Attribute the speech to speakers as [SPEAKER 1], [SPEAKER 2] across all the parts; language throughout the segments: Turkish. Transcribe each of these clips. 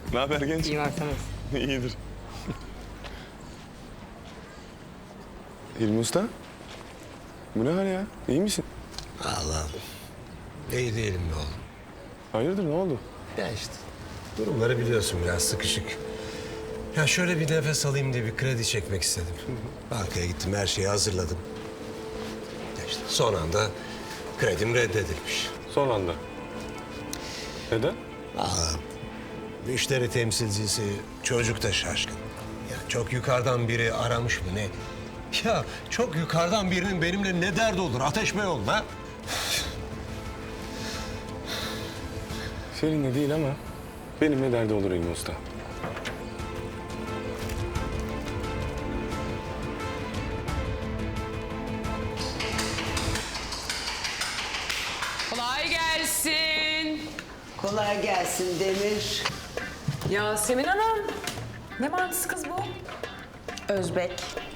[SPEAKER 1] Ne haber genç?
[SPEAKER 2] İyi varsınız.
[SPEAKER 1] İyidir. İlmi Usta. Bu ne hal ya? İyi misin?
[SPEAKER 3] Allah'ım. İyi değilim be oğlum.
[SPEAKER 1] Hayırdır ne oldu?
[SPEAKER 3] Ya işte durumları biliyorsun, biraz sıkışık. Ya şöyle bir nefes alayım diye bir kredi çekmek istedim. Bankaya gittim, her şeyi hazırladım. Ya işte son anda kredim reddedilmiş.
[SPEAKER 1] Son anda. Neden?
[SPEAKER 3] Allah'ım. Müşteri temsilcisi çocuk da şaşkın. Ya çok yukarıdan biri aramış mı ne? Ya çok yukarıdan birinin benimle ne derdi olur? Ateş Bey oğlum ha?
[SPEAKER 1] Seninle değil ama benimle derdi olur İlmi Usta.
[SPEAKER 2] Kolay gelsin.
[SPEAKER 4] Kolay gelsin Demir.
[SPEAKER 2] Yasemin Hanım. Ne mantısı kız bu? Özbek.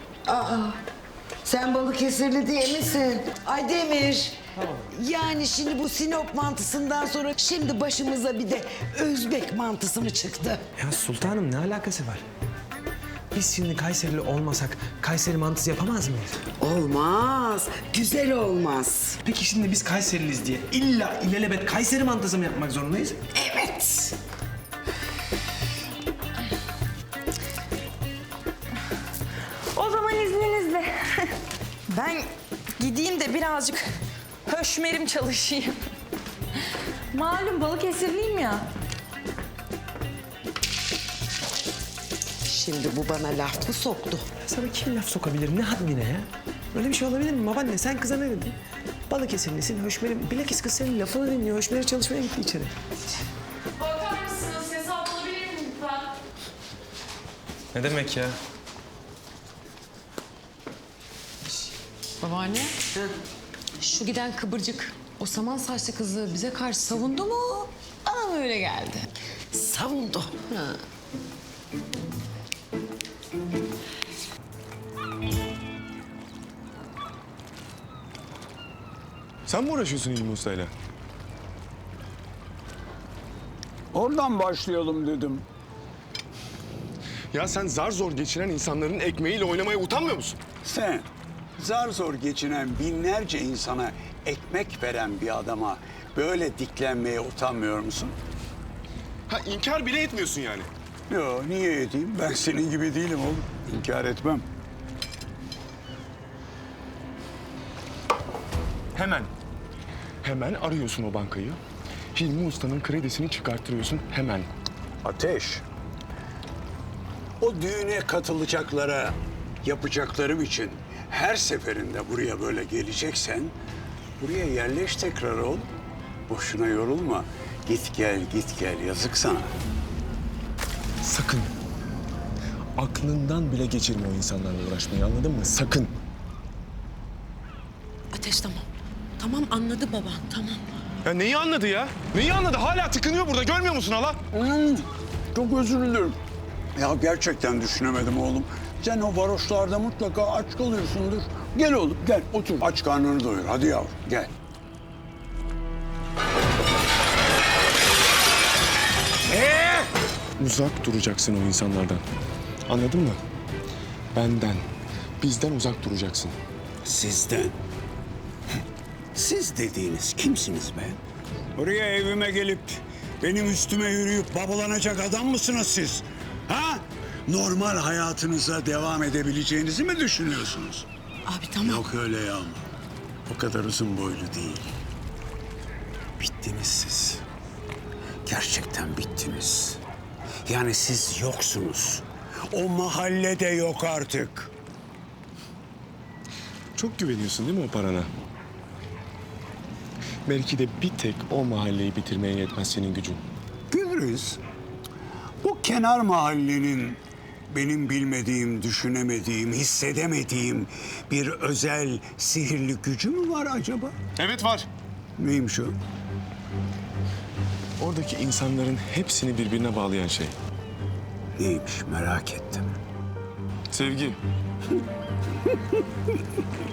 [SPEAKER 4] Sen Balıkesirli değil misin? Ay Demir. Yani şimdi bu Sinop mantısından sonra şimdi başımıza bir de Özbek mantısı mı çıktı?
[SPEAKER 5] Ya sultanım ne alakası var? Biz şimdi Kayserili olmasak Kayseri mantısı yapamaz mıyız?
[SPEAKER 4] Olmaz. Güzel olmaz.
[SPEAKER 5] Peki şimdi biz Kayseriliyiz diye illa ilelebet Kayseri mantısı mı yapmak zorundayız?
[SPEAKER 4] Evet.
[SPEAKER 6] O zaman izninizle. Ben gideyim de birazcık höşmerim çalışayım. Malum Balıkesirliyim ya.
[SPEAKER 4] Şimdi bu bana laf mı soktu?
[SPEAKER 5] Sana kim laf sokabilir ne haddine ya? Öyle bir şey olabilir mi babaanne? Sen kıza ne dedin? Balıkesirlisin, Höşmer'im. Bilakis kız senin lafını dinliyor. Höşmer'e çalışmaya gitti içeri.
[SPEAKER 6] Bakar mısınız? Hesap alabilir miyim lütfen?
[SPEAKER 5] Ne demek ya?
[SPEAKER 7] Babaanne, şu giden kıvırcık, o saman saçlı kızı bize karşı savundu mu? Bana mı öyle geldi?
[SPEAKER 4] Savundu.
[SPEAKER 1] Sen mi uğraşıyorsun İlmi Usta'yla?
[SPEAKER 8] Oradan başlayalım dedim.
[SPEAKER 1] Ya sen zar zor geçinen insanların ekmeğiyle oynamaya utanmıyor musun?
[SPEAKER 8] Sen zar zor geçinen binlerce insana ekmek veren bir adama böyle diklenmeye utanmıyor musun?
[SPEAKER 1] Ha inkar bile etmiyorsun yani.
[SPEAKER 8] Yo, niye edeyim? Ben senin gibi değilim oğlum. İnkar etmem.
[SPEAKER 1] Hemen arıyorsun o bankayı. Hilmi Usta'nın kredisini çıkarttırıyorsun hemen.
[SPEAKER 8] Ateş. O düğüne katılacaklara yapacaklarım için her seferinde buraya böyle geleceksen buraya yerleş tekrar oğlum. Boşuna yorulma. Git gel yazık sana.
[SPEAKER 1] Sakın. Aklından bile geçirme o insanlarla uğraşmayı, anladın mı? Sakın.
[SPEAKER 7] Ateş tamam. Tamam anladı baba, tamam.
[SPEAKER 1] Ya neyi anladı ya? Neyi anladı? Hala tıkınıyor burada. Görmüyor musun hala?
[SPEAKER 8] Çok özür dilerim. Ya gerçekten düşünemedim oğlum. Sen o varoşlarda mutlaka aç kalıyorsundur. Gel oğlum gel otur. Aç karnını doyur. Hadi yavrum gel.
[SPEAKER 1] Uzak duracaksın o insanlardan. Anladın mı? Benden, bizden uzak duracaksın.
[SPEAKER 8] Sizden. Siz dediğiniz kimsiniz be? Buraya evime gelip benim üstüme yürüyüp babalanacak adam mısınız siz? Ha? Normal hayatınıza devam edebileceğinizi mi düşünüyorsunuz?
[SPEAKER 7] Abi tamam.
[SPEAKER 8] Yok öyle ya. O kadar uzun boylu değil. Bittiniz siz. Gerçekten bittiniz. Yani siz yoksunuz. O mahallede yok artık.
[SPEAKER 1] Çok güveniyorsun değil mi o parana? Belki de bir tek o mahalleyi bitirmeye yetmez senin gücün.
[SPEAKER 8] Gülriz, bu kenar mahallenin benim bilmediğim, düşünemediğim, hissedemediğim bir özel sihirli gücü mü var acaba?
[SPEAKER 1] Evet var.
[SPEAKER 8] Neymiş o?
[SPEAKER 1] Oradaki insanların hepsini birbirine bağlayan şey.
[SPEAKER 8] Neymiş merak ettim.
[SPEAKER 1] Sevgi.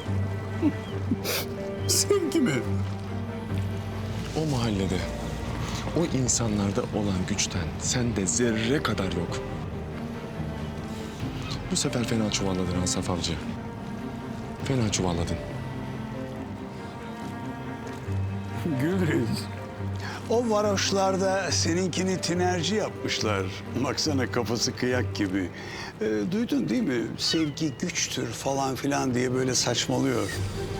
[SPEAKER 8] Sevgi mi?
[SPEAKER 1] O mahallede O insanlarda olan güçten sende zerre kadar yok. Bu sefer fena çuvalladın Asaf Avcı. Fena çuvalladın.
[SPEAKER 8] Gülriz. O varoşlarda seninkini tinerci yapmışlar. Baksana kafası kıyak gibi. Duydun değil mi? Sevgi güçtür falan filan diye böyle saçmalıyor.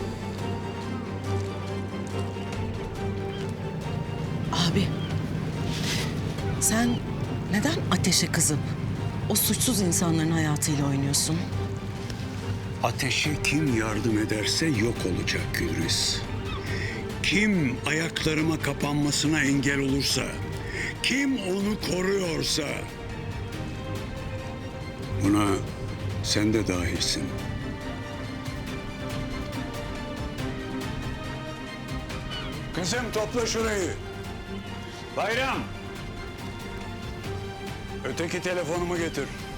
[SPEAKER 9] Abi, sen neden ateşe kızıp o suçsuz insanların hayatıyla oynuyorsun?
[SPEAKER 8] Ateşe kim yardım ederse yok olacak Gülriz. Kim ayaklarıma kapanmasına engel olursa, kim onu koruyorsa... Buna sen de dahilsin. Kızım topla şurayı. Bayram. Öteki telefonumu getir.